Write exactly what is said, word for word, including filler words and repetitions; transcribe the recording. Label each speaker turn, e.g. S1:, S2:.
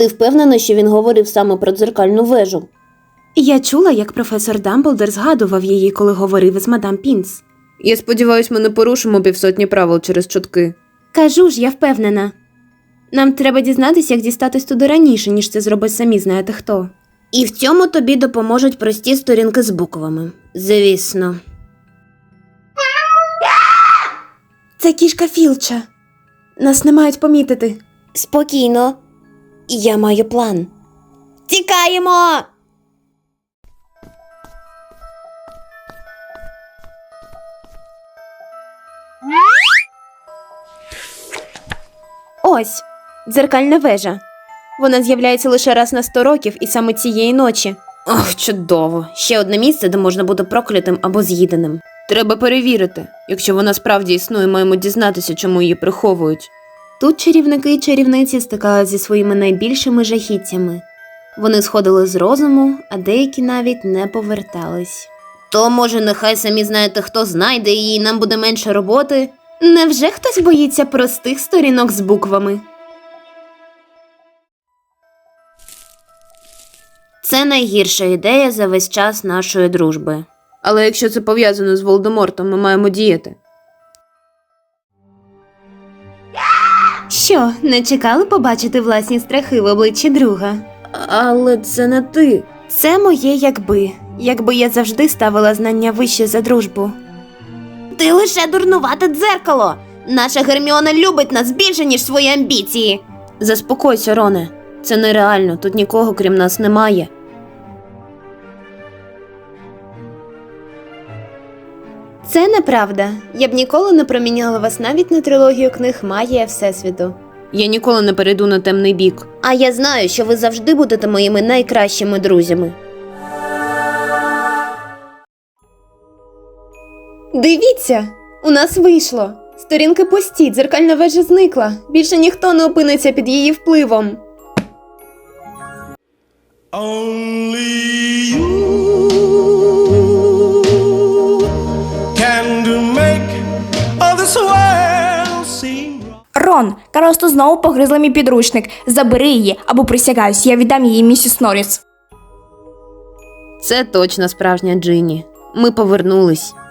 S1: Ти впевнена, що він говорив саме про дзеркальну вежу?
S2: Я чула, як професор Дамблдор згадував її, коли говорив із мадам Пінс.
S3: Я сподіваюсь, ми не порушимо півсотні правил через чутки.
S2: Кажу ж, я впевнена. Нам треба дізнатися, як дістатись туди раніше, ніж це зробить самі знаєте хто.
S1: І в цьому тобі допоможуть прості сторінки з буквами. Звісно.
S2: Це кішка Філча. Нас не мають помітити.
S1: Спокійно. Я маю план. Тікаємо!
S2: Ось, дзеркальна вежа. Вона з'являється лише раз на сто років і саме цієї ночі.
S1: Ох, чудово. Ще одне місце, де можна бути проклятим або з'їденим.
S3: Треба перевірити. Якщо вона справді існує, маємо дізнатися, чому її приховують.
S2: Тут чарівники і чарівниці стикалися зі своїми найбільшими жахіттями. Вони сходили з розуму, а деякі навіть не повертались.
S1: То, може, нехай самі знаєте, хто знайде її, і нам буде менше роботи?
S2: Невже хтось боїться простих сторінок з буквами?
S1: Це найгірша ідея за весь час нашої дружби.
S3: Але якщо це пов'язано з Волдемортом, ми маємо діяти.
S2: Що, не чекали побачити власні страхи в обличчі друга?
S3: Але це не ти.
S2: Це моє якби. Якби я завжди ставила знання вище за дружбу.
S1: Ти лише дурнувате дзеркало! Наша Герміона любить нас більше, ніж свої амбіції.
S3: Заспокойся, Роне. Це нереально, тут нікого крім нас немає.
S2: Це неправда. Я б ніколи не проміняла вас навіть на трилогію книг «Магія Всесвіту».
S3: Я ніколи не перейду на темний бік.
S1: А я знаю, що ви завжди будете моїми найкращими друзями.
S2: Дивіться! У нас вийшло! Сторінки пусті, дзеркальна вежа зникла. Більше ніхто не опиниться під її впливом.
S4: Only you can do make all this world seem wrong.
S5: Рон, Каросту знову погризла мій підручник. Забери її, або присягаюсь, я віддам її місіс Норріс.
S3: Це точно справжня Джинні. Ми повернулись.